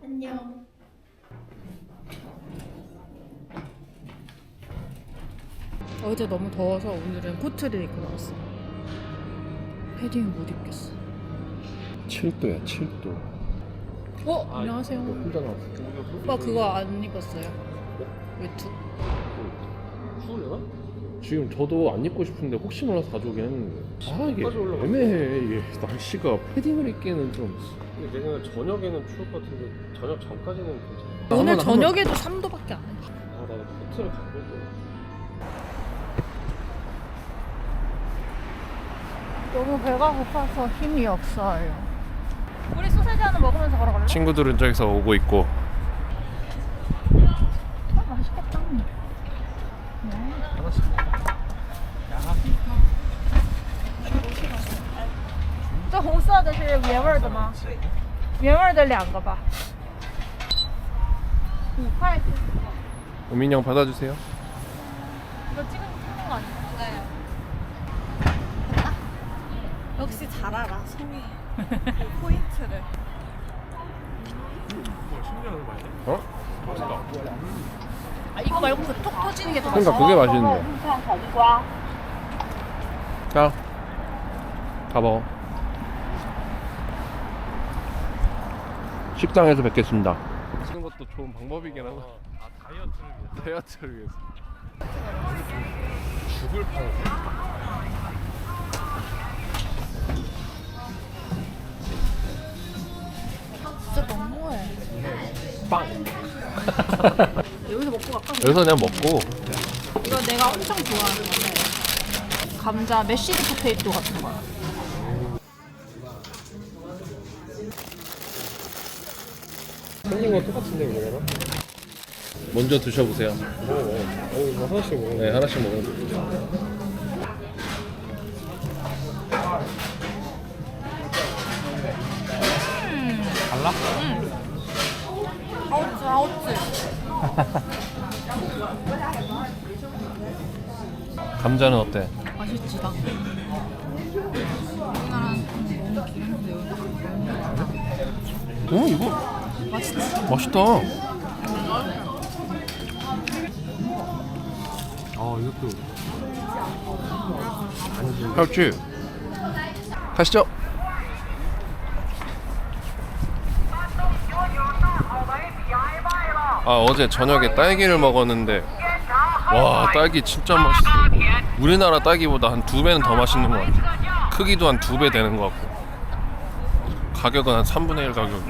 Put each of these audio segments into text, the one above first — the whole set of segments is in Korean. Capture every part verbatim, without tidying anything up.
안녕. 어제 너무 더워서 오늘은 코트를 입고 나왔어. 패딩을 못 입겠어. 칠 도야 칠 도. 어? 안녕하세요. 혼자 나왔어. 오빠 그거 안 입었어요? 외투? 추우려나? 지금 저도 안 입고 싶은데 혹시 몰라서 가져오긴 했는데 아 이게 애매해. 이게 날씨가 패딩을 입기에는 좀. 근데 내 생각에 저녁에는 추울 것 같은데 저녁 전까지는 괜찮아. 오늘 한번, 저녁에도 삼 도밖에 안 해. 아 나도 코트를 갖고 있고. 너무 배가 고파서 힘이 없어요. 우리 소세지 하나 먹으면서 걸어갈래? 친구들은 저기서 오고 있고. 아, 맛있겠다. 네. 하나씩. 这红色的是原味的吗？原味的两个吧。五块钱。 우민이 형 받아주세요. 이거 찍은 거 아니야? 네. 역시 잘 알아, 송이. 포인트를. 어? 아 이거 말고 그 톡 터지는 게 더 그러니까 맛있어. 그게 맛있는데. 자, 다 먹어. 식당에서 뵙겠습니다. 쓰는 것도 좋은 방법이긴 하다. 아 다이어트를 위해서. 다이어트를 위해서. 죽을 파는. 진짜 너무해. 빵. 여기서 먹고 갈까? 여기서 그냥 먹고. 이거 내가 엄청 좋아하는 건데 감자 메쉬드 포테이토 같은 거야. 생긴 건 똑같은데 그러면? 먼저 드셔보세요. 먹어. 어 이거 하나씩 먹어. 네, 하나씩 먹으면 달라? 아웃즈 아웃즈. 감자는 어때? 맛있지 나. 우리나라는 너무 기름인데 여기 어 이거 맛있지. 맛있다. 아 이것도. 할지 가시죠. 아 어제 저녁에 딸기를 먹었는데 와 딸기 진짜 맛있어. 우리나라 딸기보다 한 두 배는 더 맛있는 것 같아. 크기도 한 두 배 되는 것 같고 가격은 한 삼분의 일 가격.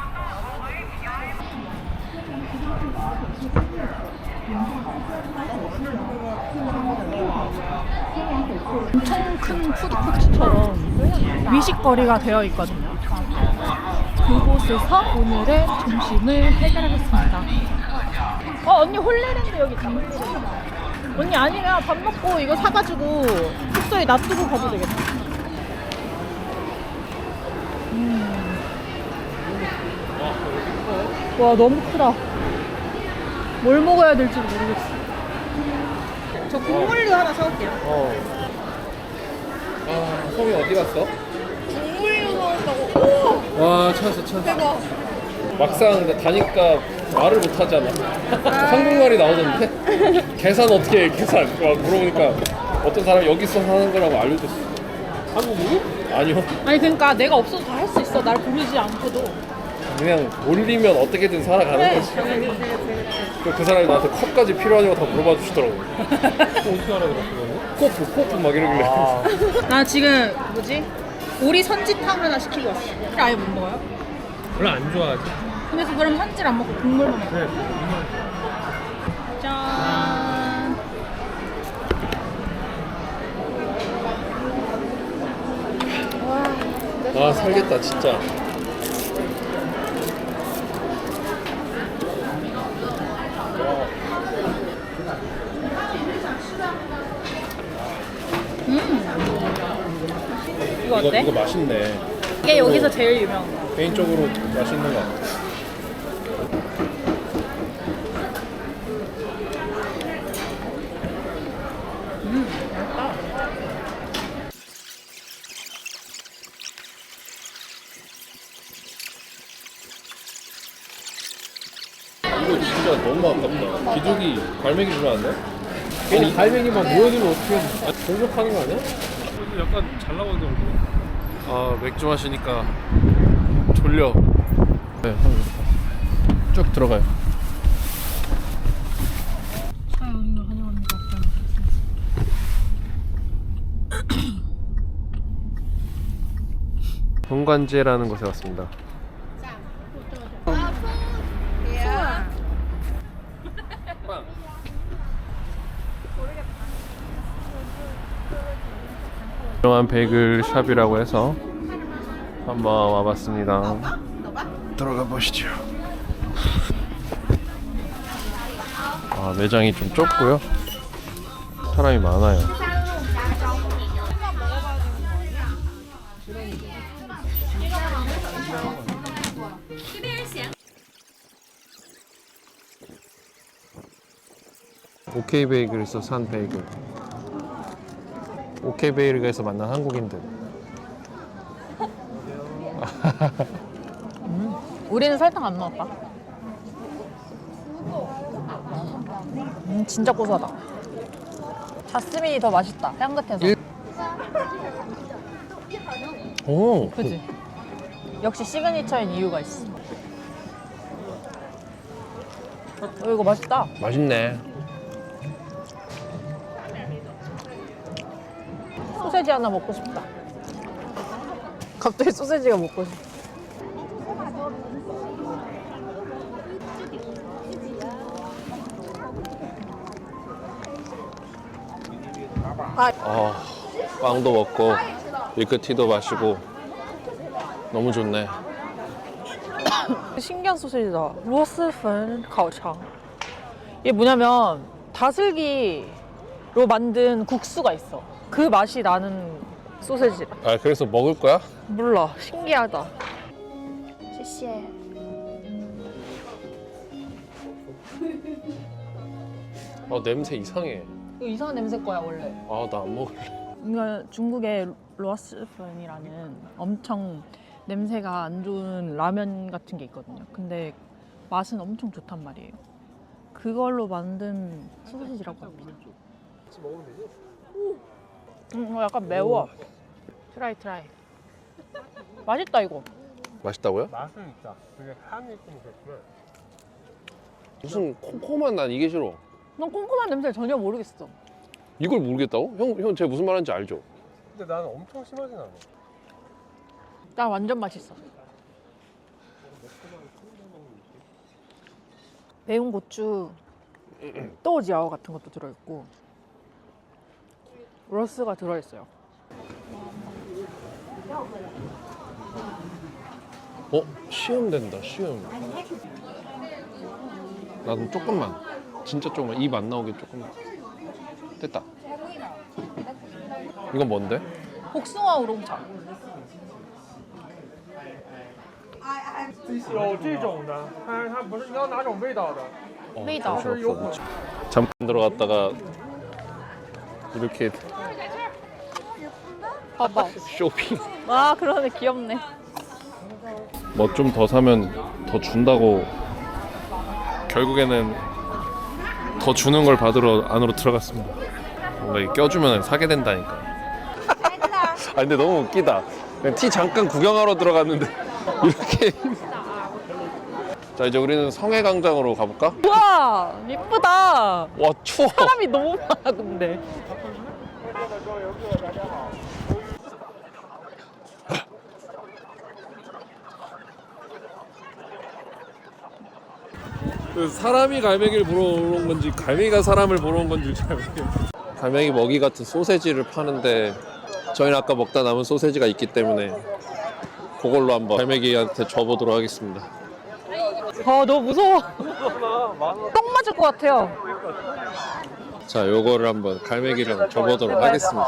엄청 큰 푸드코트처럼 미식거리가 되어 있거든요. 그곳에서 오늘의 점심을 해결하겠습니다. 어 언니 홀레랜드 여기 있다. 언니 아니면 밥 먹고 이거 사가지고 숙소에 놔두고 가도 되겠다. 음. 와 너무 크다. 뭘 먹어야 될지 모르겠어. 저 국물류 하나 사올게요. 어. 아 성이 어디 갔어? 국물류 사온다고. 오! 와 찾았어 찾았어. 대박. 막상 다니까 말을 못 하잖아. 한국말이 나오던데 계산 어떻게 해 계산 막 물어보니까 어떤 사람이 여기서 사는 거라고 알려줬어. 한국어? 아니요. 아니 그러니까 내가 없어도 다 할 수 있어. 날 부르지 않고도. 그냥 올리면 어떻게든 살아가는 그래. 거지. 그, 그 사람이 나한테 컵까지 필요하냐고 다 물어봐 주시더라고. 어떻게 알아들었어 그거는? 코프 코프 막 이러길래. 나 지금 뭐지? 오리 선지탕 하나 시키고 왔어. 아예 못 먹어요? 별로 안 좋아하지. 그래서 그럼 선지를 안 먹고 국물만 먹어. 그래. 짠. 아 살겠다 진짜. 이거 이거 어때? 이거 맛있네. 이게 여기서 제일 유명한 거. 개인적으로 맛있는 것 같아. 이거 진짜 너무 아깝다. 비둘기 갈매기 주면 안 돼? 괜히 갈매기만 모여두면 어떻게 해? 공격하는 거 아니야? 근데 약간 잘 나오는데 얼굴. 아 맥주 마시니까 졸려. 네, 쭉 들어가요. 본관제라는 곳에 왔습니다. 유명한 베이글 샵이라고 해서 한번 와봤습니다. 들어가 보시죠. 아, 매장이 좀 좁고요. 사람이 많아요. 오케이 베이글에서 산 베이글. 오케이 베이글에서 만난 한국인들. 우리는 설탕 안 넣었다. 음, 진짜 고소하다. 자스민이 더 맛있다. 향긋해서. 일- 오, 그지? 역시 시그니처인 이유가 있어. 어, 이거 맛있다. 맛있네. 소세지 하나 먹고 싶다. 갑자기 소세지가 먹고 싶다. 아, 빵도 먹고 밀크티도 마시고 너무 좋네. 신기한 소세지다. 로스펀 가오창. 이게 뭐냐면 다슬기로 만든 국수가 있어. 그 맛이 나는 소세지. 아, 그래서 먹을 거야? 몰라. 신기하다. 시시해. 어, 냄새 이상해. 이거 이상한 냄새 거야 원래. 아, 나 안 먹을래. 이거 중국의 로스펀이라는 엄청 냄새가 안 좋은 라면 같은 게 있거든요. 근데 맛은 엄청 좋단 말이에요. 그걸로 만든 소세지라고 합니다. 같이 먹으면 되지? 음, 이거 약간 매워. 트라이 트라이. 맛있다 이거. 맛있다고요? 맛은 있다. 그게 향이 좀 그렇구나. 무슨 콩콩한 난 이게 싫어. 난 꼼꼼한 냄새를 전혀 모르겠어. 이걸 모르겠다고? 형, 형 제가 무슨 말하는지 알죠? 근데 나는 엄청 심하진 않아. 난 완전 맛있어. 매운 고추, 또지아오 같은 것도 들어있고 로스가 들어있어요. 어? 시음 된다, 시음. 나도 조금만. 진짜 조금만. 입 안 나오게 조금만. 됐다. 이건 뭔데? 복숭아 우롱차. 有这种的，它它不是你要哪种味道的？ 어, 메이다. 정신없어. 잠깐 들어갔다가 이렇게 봐봐. 쇼핑. 아 그러네 귀엽네. 뭐 좀 더 사면 더 준다고 결국에는 더 주는 걸 받으러 안으로 들어갔습니다. 뭔가 이게 껴주면 사게 된다니까. 아 근데 너무 웃기다. 그냥 티 잠깐 구경하러 들어갔는데 이렇게. 자 이제 우리는 성해광장으로 가볼까? 우와 이쁘다. 와 추워. 사람이 너무 많아 근데. 사람이 갈매기를 보러 온 건지 갈매기가 사람을 보러 온 건지 잘 모르겠어요. 갈매기 먹이 같은 소세지를 파는데 저희는 아까 먹다 남은 소세지가 있기 때문에 그걸로 한번 갈매기한테 줘보도록 하겠습니다. 아 너무 무서워. 똥 맞을 것 같아요. 자 요거를 한번 갈매기를 줘보도록 하겠습니다.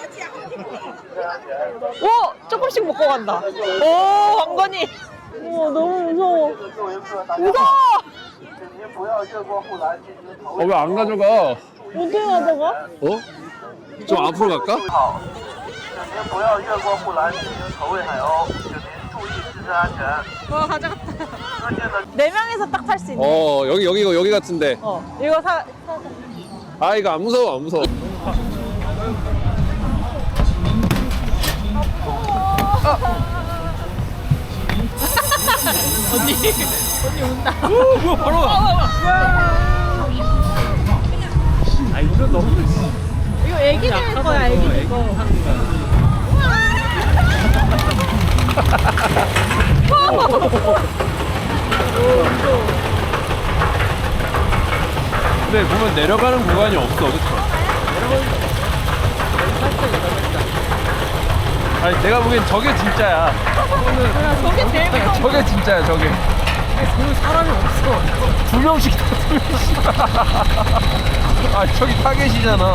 오 조금씩 먹고 간다. 오 왕건이. 우와 너무 무서워. 무서워. 어 왜 안 가져가? 어떻게 가져가? 어? 좀 앞으로 갈까? 请您不要越过护栏进行投喂海鸥，请您注意自身安全。 와 가져갔다. 네 명이서 딱 탈 수 있는. 어 여기 여기 여기 같은데. 어, 이거 사. 사- 아 이거 안 무서워 안 무서워. 언니, 언니 온다. 오 뭐야 바로 아 이거 너무 이거 애기들 거야, 애기들 거. 근데 보면 내려가는 구간이 없어 그쵸? 아니 내가 보기엔 저게 진짜야 저게 제일 무서워. 저게 진짜야 저게 그 사람이 없어 두 명씩 다 두 명씩 아 저기 타겟이잖아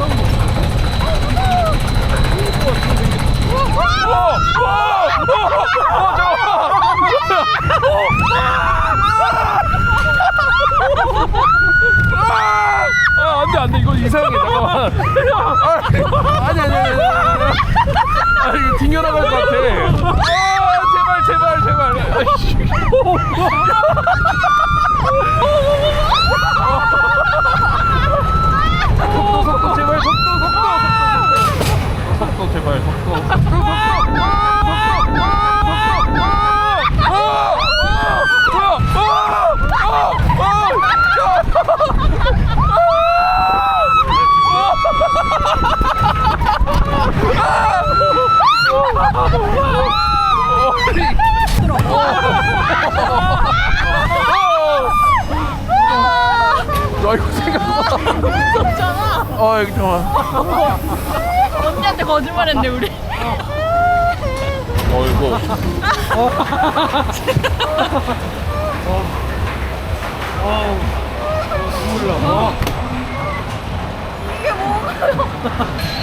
아 안돼 안돼 이거 이상해 잠깐만 아, 아니 아니 아니 아니 아 이거 튕겨나갈 것 같아 아 제발 제발 제발 아이씨. 속도 속도 제발 속도 속도 속도 속도 제발 속도 속도 속도 야 이거 생각보다 무섭잖아. 어 이거 잠깐만 언니한테 거짓말했네 우리. 어 이거. 눈물 나 이게 뭐야?